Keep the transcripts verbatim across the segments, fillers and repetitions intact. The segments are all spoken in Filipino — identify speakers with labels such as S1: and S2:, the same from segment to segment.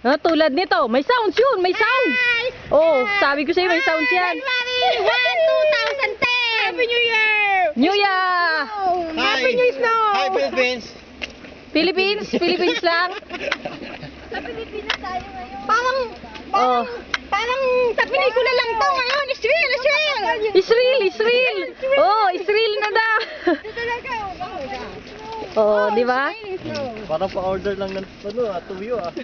S1: Ah, tulad nito, may sounds yun, may sounds. Oh, sabi ko sa'yo, may sounds yan.
S2: January first, twenty ten! Happy New Year!
S1: New Year!
S2: Happy New Snow!
S3: Hi, Philippines!
S1: Philippines, Philippines lang.
S2: Sa Pilipinas tayo ngayon. Parang, parang,
S1: Oh.
S2: parang sa pelikula lang to ngayon. It's real, it's real!
S1: Israel, Israel. Oh, Israel na daw.
S2: Talaga,
S1: Oh, di ba?
S3: Parang pa-order lang ng ano, ah, tuyo ah.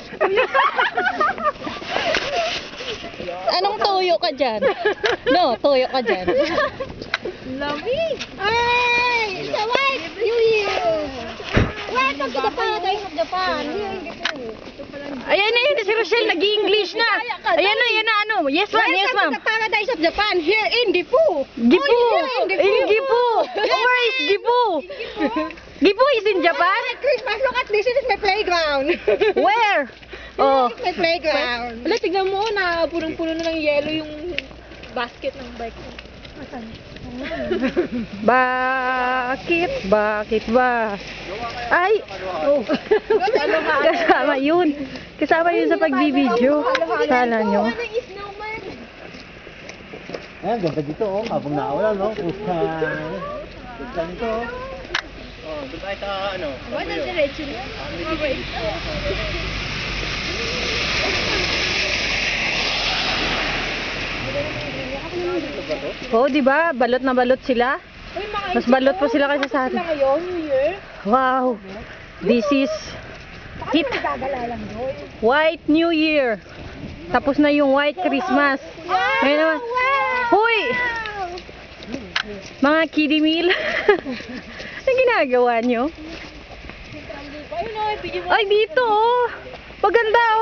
S1: Anong tuyo ka dyan? No, tuyo ka dyan.
S2: Lamig! Ay! It's a white New Year! Welcome to the paradise of Japan! Here in Japan.
S1: Ayan na yun, si Rochelle, nag-i-English na. Ayan na, ayan na, ano. Yes, ma'am, yes, ma'am.
S2: Welcome to the paradise of Japan, here in Gifu!
S1: Gifu!
S2: Oh, here in
S1: In Gifu! Where is Gifu? Gifu is in Japan?
S2: Hi, Christmas, look at this. This is my playground.
S1: Where? Oh.
S2: This is my playground.
S4: Wala, tignan mo na punong-puno na ng yelo yung basket ng bike ko.
S1: Bakit? Bakit ba? Ay! Oh. Kasama yun. Kasama yun sa pagbibideo. Kala nyo.
S3: Ayan, ganda dito oh, habang naulan no. Pusta. Pusta nito oh. Oh, doon tayo sa ano.
S4: What ang diretso niya?
S1: Oh, di ba? Balot na balot sila. Mas balot pa sila kaysa sa atin.
S4: Ngayon, New Year.
S1: Wow. This is it. White New Year. Tapos na yung White Christmas. Ngayon naman. Hoy! Mga kiddie meal. Anong ginagawa nyo?
S4: Ayun o, ibigay mo.
S1: Ay, dito oh. Paganda